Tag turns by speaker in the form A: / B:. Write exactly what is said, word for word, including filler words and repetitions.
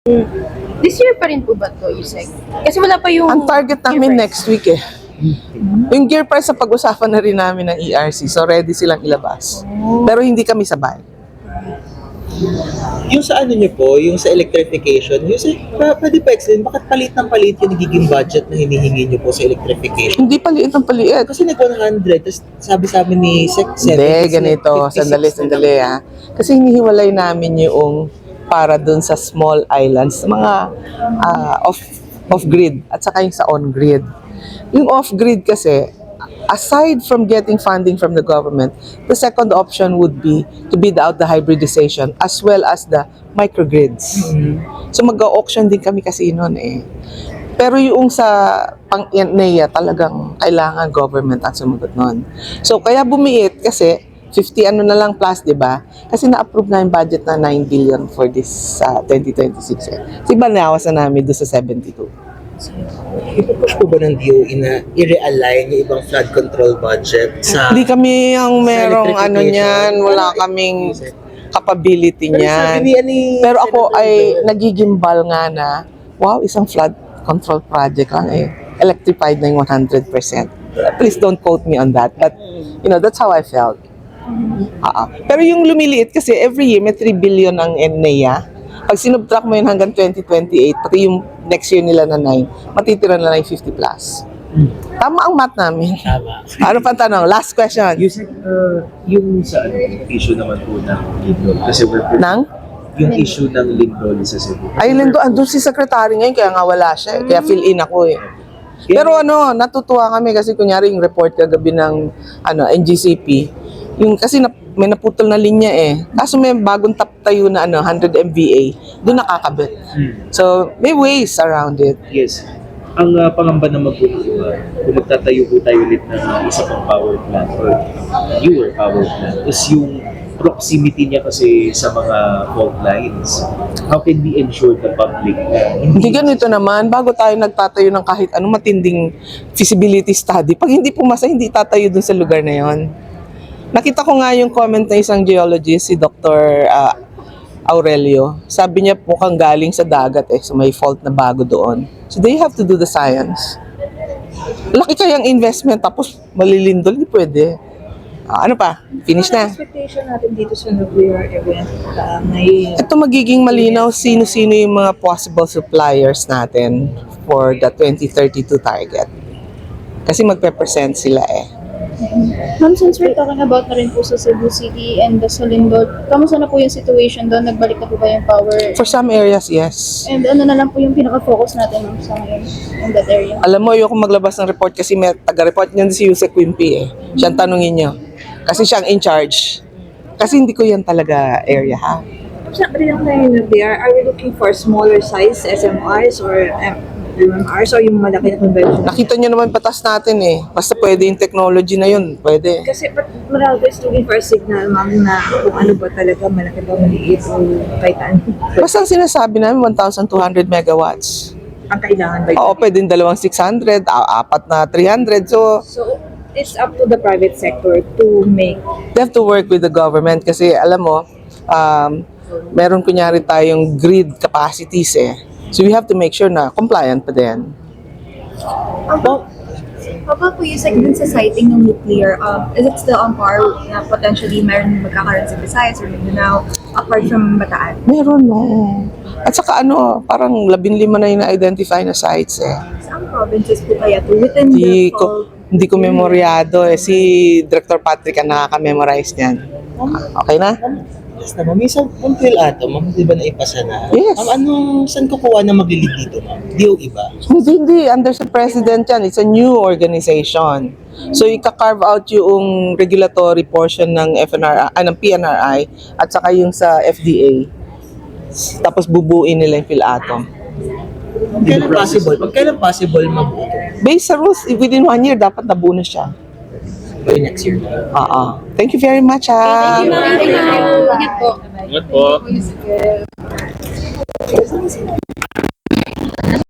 A: This year pa rin po ba to, Yusek? Kasi wala pa yung...
B: Ang target namin next week eh. Yung gear price sa pag-usapan na rin namin ng E R C. So ready silang ilabas. Pero hindi kami sabay.
C: Yung sa ano nyo po, yung sa electrification, yung sa, pa, pwede pa explain, bakit palit ng palit yung nagiging budget na hinihingi nyo po sa electrification?
B: Hindi paliit ng paliit.
C: Kasi nag one hundred, tapos sabi sa amin ni Sec
B: Hindi, ganito. Sandali, sandali ah. Kasi hinihiwalay namin yung para dun sa small islands, mga ah, off, off-grid at saka yung sa on-grid. Yung off-grid kasi, aside from getting funding from the government, the second option would be to bid out the hybridization as well as the microgrids.
C: Mm-hmm.
B: So mag-auction din kami kasi noon eh. Pero yung sa pang-N E A talagang kailangan government ang sumagot noon. So kaya bumiit kasi fifty ano na lang plus, di ba? Kasi na-approve na yung budget na nine billion for this uh, twenty twenty-six eh. So iba nawas na namin doon sa seventy-two.
C: Ipupush po ba ng D O E na i-realign yung ibang flood control budget sa...
B: Hindi kami ang merong
C: electrification?
B: ano niyan, wala kaming capability
C: Pero sabi
B: niyan.
C: ni, ni
B: Pero ako
C: Senator
B: ay
C: Joel,
B: nagigimbal nga na, wow, isang flood control project lang eh. Electrified na yung one hundred percent. Please don't quote me on that. But, you know, that's how I felt. Uh-uh. Pero yung lumiliit kasi every year may three billion ang N E A. Pag sinubtract mo yun hanggang twenty twenty-eight, pati yung next year nila na nine, matitira na lang yung fifty plus. Tama ang math namin.
C: Tama.
B: Ano pa tanong? Last question.
D: Yung, uh, yung sa ano, yung issue naman po ng Lindol, kasi we're
B: Nang?
D: yung issue ng Lindol sa Cebu.
B: Ay, Lindo, andun si secretary ngayon, kaya nga wala siya. eh. Kaya fill in ako eh. Pero ano, natutuwa kami kasi kunyari yung report kagabi ng ano, N G C P, yung kasi na, may naputol na linya eh. Kaso may bagong tap tayo na ano, one hundred M V A, doon nakakabit.
D: Hmm.
B: So, may ways around it.
D: Yes. Ang uh, pangamba naman po ng iba, kung magtatayo po tayo ulit ng uh, isa pang power plant or newer power plant, is yung proximity niya kasi sa mga fault lines. How can we ensure the public na
B: Hindi ganito naman, bago tayo nagtatayo ng kahit anong matinding feasibility study, pag hindi pumasa, hindi tatayo dun sa lugar na yon. Nakita ko nga yung comment ng isang geologist, si Doctor uh, Aurelio. Sabi niya mukhang galing sa dagat eh, so may fault na bago doon. So they have to do the science. Laki kayang investment tapos malilindol, hindi pwede. Ah, ano pa? Finish na.
E: Ano ang expectation natin dito sa nuclear event? Uh, may
B: Ito magiging malinaw sino-sino yung mga possible suppliers natin for the twenty thirty-two target. Kasi magpe-present sila eh.
A: Ma'am, since we're talking about na rin po sa Cebu City and the Salindol, kamusta na po yung situation doon? Nagbalik na po ba yung power?
B: For some areas, yes.
A: And ano na lang po yung pinaka-focus natin ma'am, sa ngayon in that area?
B: Alam mo, ayoko maglabas ng report kasi may taga-report niyan si Yusek Quimpi eh. Siyang tanungin niyo. Kasi siyang in charge. Kasi hindi ko yan talaga area ha.
E: sabi lang tayo nuclear, are we looking for smaller size S M Rs or M M Rs or yung malaki na conventional?
B: Nakita niyo naman batas natin eh. Basta pwede yung technology na yun, pwede.
E: Kasi but Meralco is looking for a signal, ma'am, na kung ano ba talaga, malaki ba, maliit, o kahit ano.
B: Basta ang sinasabi namin, one thousand two hundred megawatts.
E: Ang kailangan ba?
B: Oo, pwede yung dalawang six hundred, a- apat na three hundred. So,
E: So, it's up to the private sector to make.
B: they have to work with the government kasi alam mo, um, meron kunyari tayong grid capacities eh. So we have to make sure na compliant pa din.
A: About, about po yung segment sa siting ng nuclear, um, is it still on par na potentially meron magkakaroon sa Visayas or Mindanao apart from Bataan?
B: Meron, no. At saka ano, parang labing lima na yung na-identify na sites eh.
A: Saan provinces po kaya to within
B: Hindi
A: the
B: ko,
A: fault?
B: hindi ko memoryado eh. Si Director Patrick ang nakaka-memorize niyan. Okay na?
C: Yes na, ma'am. May isang puntil ato, ma'am, di ba naipasa na?
B: Yes.
C: Ma'am, anong, saan kukuha na maglilid dito, ma'am? D O E ba?
B: Hindi, hindi. Under sa President yan. It's a new organization. So, ika-carve out yung regulatory portion ng F N R I, ah, ng P N R I at saka yung sa F D A. Tapos bubuin nila yung PhilAtом.
C: Kailan possible? Pag kailan possible mabuo ito?
B: Based sa rules, within one year, dapat nabuo na siya.
C: By next year.
B: Oo. Thank you very much, ha.
A: Thank you, ma'am. Thank you. Ingat po.
D: Ingat po.